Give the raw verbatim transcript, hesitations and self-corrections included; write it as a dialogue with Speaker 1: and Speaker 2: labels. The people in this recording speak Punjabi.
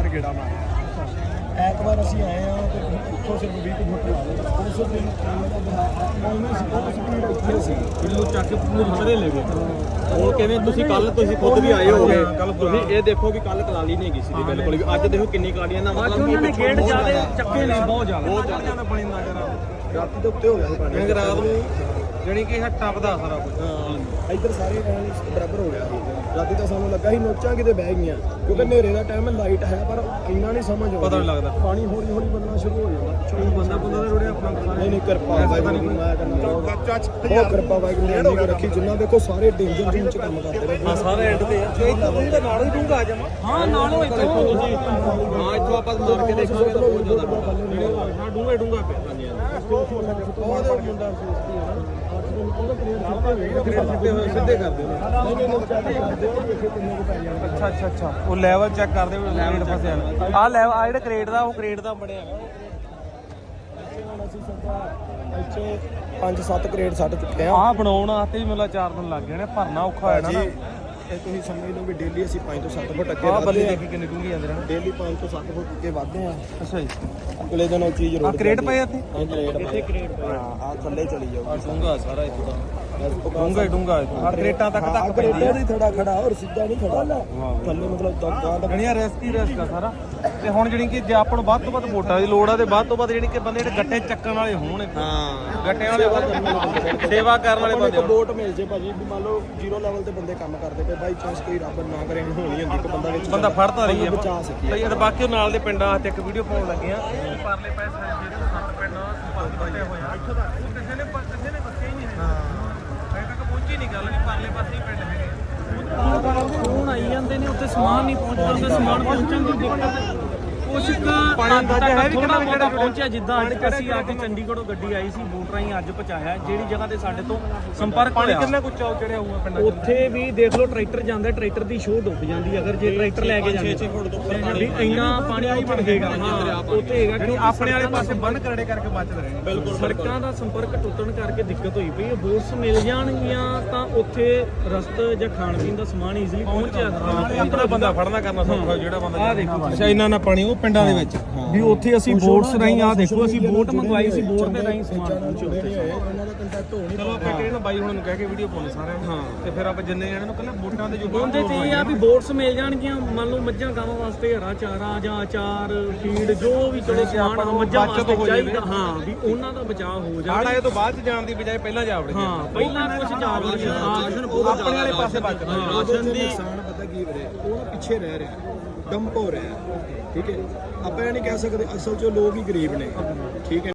Speaker 1: ਗੇੜਾ ਮਾਰਿਆ। ਐਤਵਾਰ ਅਸੀਂ ਆਏ ਆ ਤੇ ਉੱਥੋਂ ਸਿਰਫ ਵੀਹ ਕੁ ਫੁੱਟ ਲਾ ਲਏ ਉਸ ਦਿਨ ਉਵੇਂ ਸੀ ਉਹ ਸਪੀਡ ਉੱਥੇ ਸੀ
Speaker 2: ਕਿਲੋ ਚੱਕ ਕੇ ਪੂਰੇ ਸਾਰੇ ਲੈ ਗਏ। ਹੁਣ ਕਿਵੇਂ ਤੁਸੀਂ ਕੱਲ ਤੁਸੀਂ ਖੁਦ ਵੀ ਆਏ ਹੋਗੇ, ਤੁਸੀਂ ਇਹ ਦੇਖੋ ਵੀ ਕੱਲ ਕਲਾਲੀ ਨਹੀਂ ਗਈ ਸੀ ਬਿਲਕੁਲ ਵੀ, ਅੱਜ ਦੇਖੋ ਕਿੰਨੀ ਕਲਾਲੀਆਂ ਦਾ ਮਤਲਬ ਉਹਨਾਂ ਨੇ ਗੇੜ ਜ਼ਿਆਦਾ ਚੱਕੇ ਨੇ, ਬਹੁਤ ਜ਼ਿਆਦਾ ਬਹੁਤ ਜ਼ਿਆਦਾ ਪਾਣੀ ਨਾ ਕਰਾ
Speaker 1: ਰਾਤੀ ਦੇ ਉੱਤੇ ਹੋ ਗਿਆ ਸੀ ਪਾਣੀ
Speaker 2: ਰਾਤ ਨੂੰ, ਜਾਣੀ ਕਿ ਇਹ ਟੱਪਦਾ ਸਾਰਾ ਕੁਝ।
Speaker 1: ਹਾਂ ਇੱਧਰ ਸਾਰੇ ਐਨ ਬਰਾਬਰ ਹੋ ਗਿਆ ਸੀ। ਰਾਤੀ ਤਾਂ ਸਾਨੂੰ ਲੱਗਾ ਸੀ ਨੋਚਾਂ ਕਿਤੇ ਬਹਿ ਗਈਆਂ ਕਿਉਂਕਿ ਹਨੇਰੇ ਦਾ ਟਾਈਮ ਲਾਈਟ ਹੈ ਪਰ ਇੰਨਾ ਨਹੀਂ ਸਮਝ ਆਉਂਦਾ,
Speaker 2: ਪਤਾ ਨਹੀਂ ਲੱਗਦਾ
Speaker 1: ਪਾਣੀ ਹੌਲੀ ਹੌਲੀ ਬੰਨਣਾ ਸ਼ੁਰੂ ਹੋ ਜਾਂਦਾ।
Speaker 2: ਕੋਈ ਬੰਦਾ ਬੰਦਾ ਦੇ ਰੋੜੇ ਆਪਣਾ
Speaker 1: ਨਹੀਂ ਨਹੀਂ ਕਿਰਪਾ ਵਾਹਿਗੁਰੂ ਦੀ ਮੈਂ ਕਹਿੰਦਾ ਬਹੁਤ ਕਿਰਪਾ ਵਾਹਿਗੁਰੂ ਨੇ ਇੰਨੀ ਕੁ ਰੱਖੀ। ਜਿੰਨਾ ਦੇਖੋ ਸਾਰੇ ਡੇਂਜਰ ਜ਼ੋਨ ਚ ਕੰਮ ਕਰਦੇ ਰਹੇ।
Speaker 2: ਹਾਂ ਸਾਰੇ ਐਂਡ ਤੇ ਆ ਤੇ ਇੱਥੋਂ ਦੇ ਨਾਲ ਹੀ ਡੂੰਗਾ ਆ ਜਾਵਾਂ। ਹਾਂ ਨਾਲੋਂ ਇੱਥੋਂ ਤੁਸੀਂ ਹਾਂ ਇੱਥੋਂ ਆਪਾਂ ਮਾਰ ਕੇ ਦੇਖਾਂਗੇ ਤਾਂ ਬਹੁਤ ਜ਼ਿਆਦਾ ਹਾਂ ਡੂੰਗਾ ਡੂੰਗਾ ਪਿਆ। ਹਾਂਜੀ ਬਹੁਤ ਮੁੰਡਾ ਸਿੱਧੇ ਕਰਦੇ ਨੇ। ਅੱਛਾ ਅੱਛਾ ਅੱਛਾ ਉਹ ਲੈਵਲ ਚੈੱਕ ਕਰਦੇ ਲੈਵਲ ਫਸਿਆ ਆ ਲੈਵਲ ਆ ਜਿਹੜਾ ਕ੍ਰੇਟ ਦਾ ਉਹ ਕ੍ਰੇਟ ਦਾ ਬਣਿਆ
Speaker 1: ਇੱਥੇ ਪੰਜ ਸੱਤ ਗ੍ਰੇਡ ਸੱਟ ਚੁੱਕੇ ਆ।
Speaker 2: ਆਹ ਬਣਾਉਣ ਵਾਸਤੇ ਵੀ ਮਤਲਬ ਚਾਰ ਦਿਨ ਲੱਗ ਗਏ ਨੇ, ਭਰਨਾ ਔਖਾ ਹੋਇਆ ਨਾ।
Speaker 1: ਇਹ ਤੁਸੀਂ ਸਮਝ ਲਓ ਵੀ ਡੇਲੀ ਅਸੀਂ ਪੰਜ ਤੋਂ ਸੱਤ ਫੁੱਟ ਅੱਗੇ
Speaker 2: ਆਹ ਬੱਲੇ
Speaker 1: ਵਧਦੇ ਆ।
Speaker 2: ਦੇਖੀ ਕਿੰਨੇ ਡੂੰਘੇ ਜਾਂਦੇ ਨੇ
Speaker 1: ਡੇਲੀ ਪੰਜ ਤੋਂ ਸੱਤ ਫੁੱਟ ਅੱਗੇ ਵਧਦੇ ਆ।
Speaker 2: ਅੱਛਾ ਜੀ
Speaker 1: ਅਗਲੇ ਦਿਨ ਉਹ ਚੀਜ਼
Speaker 2: ਆ
Speaker 1: ਰੋਡ
Speaker 2: ਕ੍ਰੇਟ ਪਏ ਇੱਥੇ
Speaker 1: ਇਹ ਗ੍ਰੇਡ ਇੱਥੇ ਗ੍ਰੇਡ ਪਏ ਹਾਂ ਆ ਥੱਲੇ ਚਲੀ ਜਾਓ।
Speaker 2: ਡੂੰਗਾ ਸਾਰਾ ਇੱਥੋਂ ਦਾ ਡੂੰਗਾ ਹੀ ਡੂੰਗਾ ਹਰ ਕ੍ਰੇਟਾਂ ਤੱਕ ਤੱਕ
Speaker 1: ਕ੍ਰੇਟਾਂ ਦੀ ਥੋੜਾ ਖੜਾ ਔਰ ਸਿੱਧਾ ਨਹੀਂ ਖੜਾ ਥੱਲੇ ਮਤਲਬ ਦਗਾ ਦਾ
Speaker 2: ਜਿਹੜੀਆਂ ਰਿਸਕ ਹੀ ਰਿਸਕ ਆ ਸਾਰਾ। ਤੇ ਹੁਣ ਜਿਹੜੀ ਕਿ ਜੇ ਆਪਾਂ ਨੂੰ ਵੱਧ ਤੋਂ ਵੱਧ ਵੋਟਾਂ ਦੀ ਲੋੜ ਆ ਤੇ ਵੱਧ ਤੋਂ ਵੱਧ ਜਿਹੜੀ ਕਿ ਬੰਦੇ ਜਿਹੜੇ ਗੱਟੇ ਚੱਕਣ ਵਾਲੇ ਹੋਣ ਹਾਂ ਗੱਟਿਆਂ ਵਾਲੇ ਸੇਵਾ ਕਰਨ ਵਾਲੇ ਬੰਦੇ
Speaker 1: ਵੋਟ ਮਿਲ ਜੇ ਭਾਜੀ ਵੀ ਮੰਨ ਲਓ ਜ਼ੀਰੋ ਲੈਵਲ ਤੇ ਬੰਦੇ ਕੰਮ ਕਰਦੇ ਪਏ ਬਾਈ ਚਾਂਸ ਕੋਈ ਰੱਬ ਨਾ ਕਰੇ ਹੋਣੀ ਹੁੰਦੀ ਕਿ ਬੰਦਾ ਵਿੱਚ
Speaker 2: ਬੰਦਾ ਫੜਦਾ ਰਹੀ ਹੈ
Speaker 1: ਬਚਾ ਸਕੀਏ।
Speaker 2: ਤੇ ਬਾਕੀ ਨਾਲ ਦੇ ਪਿੰਡਾਂ ਤੇ ਇੱਕ ਵੀਡੀਓ ਪਾਉਣ ਲੱਗੇ ਆ ਪਰਲੇ ਪਾਸੇ ਜਿਹੜੇ ਸੱਤ ਪਿੰਡ ਸੰਪਰਕ ਬਟੇ ਹੋਏ ਆ ਇੱਥੋਂ ਦਾ ਕਿਸੇ ਨੇ ਕਿਸੇ ਨੇ ਬੱਚੇ ਹੀ ਨਹੀਂ ਹੈ ਅਜੇ ਤੱਕ ਪਹੁੰਚੀ ਨਹੀਂ ਗੱਲ ਵੀ ਪਰਲੇ ਪਾਸੇ ਹੀ ਪਿੰਡ ਹੈਗੇ।
Speaker 3: ਫੋਨ ਆਈ ਜਾਂਦੇ ਨੇ ਉੱਥੇ ਸਮਾਨ ਨਹੀਂ ਪਹੁੰਚਦਾ, ਉੱਥੇ ਸਮਾਨ ਪਹੁੰਚਣ ਦੀ ਦਿੱਕਤ ਕੁਛ ਪਾਣੀ ਦਾ ਹੈ ਵੀ ਕਿਹੜਾ ਜਿਹੜਾ ਪਹੁੰਚਿਆ। ਜਿੱਦਾਂ ਅੱਜ ਅਸੀਂ ਆ ਕੇ ਚੰਡੀਗੜ੍ਹੋਂ ਗੱਡੀ ਆਈ ਸੀ ਬੋਟ ਰਾਹੀਂ ਅੱਜ ਪਹੁੰਚਾਇਆ ਜਿਹੜੀ ਜਗ੍ਹਾ ਤੇ ਸਾਡੇ ਤੋਂ ਸੰਪਰਕ
Speaker 2: ਪਾਣੀ
Speaker 3: ਹੋਇਆ
Speaker 2: ਕਿੰਨਾ ਕੁ ਚਾਉ ਚੜਿਆ ਹੋਊਗਾ ਪਿੰਡਾਂ 'ਚ?
Speaker 3: ਉੱਥੇ ਵੀ ਦੇਖ ਲਓ ਟਰੈਕਟਰ ਜਾਂਦਾ, ਟਰੈਕਟਰ ਦੀ ਸ਼ੋਅ ਡੁੱਬ ਜਾਂਦੀ ਅਗਰ ਜੇ ਟਰੈਕਟਰ ਲੈ ਕੇ ਜਾਂਦੇ ਵੀ ਇੰਨਾ ਪਾਣੀ ਉੱਥੇ ਰਹੇਗਾ। ਹਾਂ ਉੱਥੇ ਹੈਗਾ ਕਿ
Speaker 2: ਆਪਣੇ ਵਾਲੇ ਪਾਸੇ ਬੰਨ ਕਰੜੇ ਕਰਕੇ ਬਚਦੇ ਰਹੇ।
Speaker 3: ਬਿਲਕੁਲ ਸੜਕਾਂ ਦਾ ਸੰਪਰਕ ਟੁੱਟਣ ਕਰਕੇ ਦਿੱਕਤ ਹੋਈ ਪਈ ਹੈ। ਬੋਟਸ ਮਿਲ ਜਾਣਗੀਆਂ ਤਾਂ ਉੱਥੇ ਰਸਤ ਜਾਂ ਖਾਣ ਪੀਣ ਦਾ ਸਮਾਨ ਈਜ਼ੀਲੀ ਪਹੁੰਚ ਜਾਂਦਾ।
Speaker 2: ਆਪਣਾ ਬੰਦਾ ਫੜਨਾ ਕਰਨਾ ਸੌਖਾ ਜਿਹੜਾ ਬੰਦਾ
Speaker 3: ਆਹ ਦੇਖੋ
Speaker 2: ਅੱਛਾ ਇੰਨਾ ਨਾ ਪਾਣੀ ਉਹ ਪਿੰਡਾਂ ਦੇ ਵਿੱਚ
Speaker 3: ਵੀ ਉੱਥੇ ਅਸੀਂ ਬੋਟਸ ਰਾਹੀਂ ਆ ਦੇਖੋ ਅਸੀਂ ਬੋਟ ਮੰਗਵਾਈ ਸੀ, ਬੋਟ ਦੇ ਰਾਹੀਂ ਸਮਾਨ ਪਹੁੰਚਿਆ ਉੱਥੇ।
Speaker 1: ਉਹਨਾਂ ਦਾ ਕੰਟੈਕਟ ਹੋ ਨਹੀਂ
Speaker 2: ਚਲੋ ਆਪਾਂ ਕਿਹੜੇ ਨਾ ਬਾਈ ਹੁਣ ਨੂੰ ਕਹਿ ਕੇ ਵੀਡੀਓ ਪਾਉਣੇ ਸਾਰਿਆਂ ਨੂੰ ਹਾਂ ਤੇ ਫਿਰ ਆਪਾਂ ਜਿੰਨੇ ਜਣੇ ਨੂੰ ਕੱਲੇ ਵੋਟਾਂ ਦੇ ਜੋ
Speaker 3: ਉਹਦੇ ਤੇ ਇਹ ਆ ਵੀ ਬੋਟਸ ਮਿਲ ਜਾਣਗੀਆਂ ਮੰਨ ਲਓ ਮੱਝਾਂ ਗਾਵਾਂ ਵਾਸਤੇ ਹਰਾ ਚਾਰਾ ਜਾਂ ਅਚਾਰ ਫੀਡ ਜੋ ਵੀ ਚਲੋ ਸਮਾਨ ਆ ਮੱਝਾਂ ਵਾਸਤੇ ਚਾਹੀਦਾ ਹਾਂ ਵੀ ਉਹਨਾਂ ਦਾ ਬਚਾਅ ਹੋ ਜਾਵੇ।
Speaker 2: ਆੜਾ ਇਹ ਤੋਂ ਬਾਅਦ ਚ ਜਾਣ ਦੀ ਬਜਾਏ ਪਹਿਲਾਂ ਜਾ ਵੜੇ
Speaker 3: ਹਾਂ ਪਹਿਲਾਂ ਕੁਝ ਜਾਵੜੀ
Speaker 2: ਆਪਣੇ ਵਾਲੇ ਪਾਸੇ ਬਚਦਾ
Speaker 1: ਰਾਸ਼ਨ ਦੀ ਨੁਕਸਾਨ ਪਤਾ ਕੀ ਵੀਰੇ ਉਹ ਪਿੱਛੇ ਰਹਿ ਰਿਹਾ ਡੰਪ ਹੋ ਰਿਹਾ ਠੀਕ ਹੈ। ਆਪਾਂ ਇਹ ਨਹੀਂ ਕਹਿ ਸਕਦੇ ਅਸਲ 'ਚ ਲੋਕ ਹੀ ਗਰੀਬ ਨੇ ਠੀਕ ਹੈ।